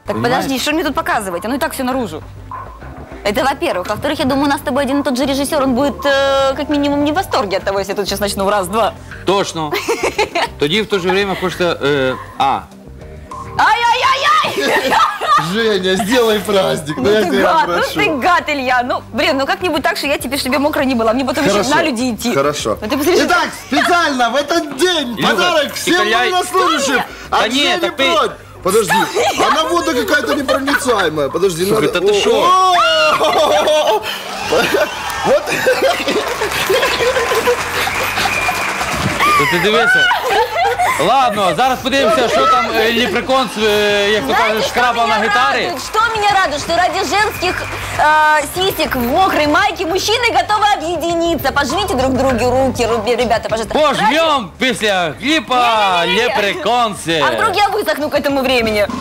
Так Понимаешь? подожди, что мне тут показывать? Оно и так все наружу. Это во-первых. Во-вторых, я думаю, у нас с тобой один и тот же режиссер, он будет как минимум не в восторге от того, если я тут сейчас начну раз-два. Точно. Тоді в то же время хочется... Ай-яй-яй-яй! Женя, сделай праздник, ну я Ты тебя гад, ну прошу. ты гад, Илья. Ну, блин, ну как-нибудь так, что я теперь, чтобы я мокрой не была. Мне потом еще на люди идти. Хорошо. Ну, ты посмотри, Итак, специально в этот день Илюха, подарок всем Иколяй. военнослужащим. Да От нет, Жени так ты- Бродь. Подожди, она вода какая-то непроницаемая. Подожди, Слушай, надо... да ты шо? О! Вот. Ти дивися. Ладно, зараз подивимося, що там Лепрекон, як то кажуть, шкрабав на гітарі. Что меня радует, что ради женских сисек в мокрой майке мужчины готовы объединиться. Пожмите друг другу руки, ребята, пожалуйста. Пожмем після кліпа Не-не-не-не. Лепреконси. А вдруг я высохну к этому времени?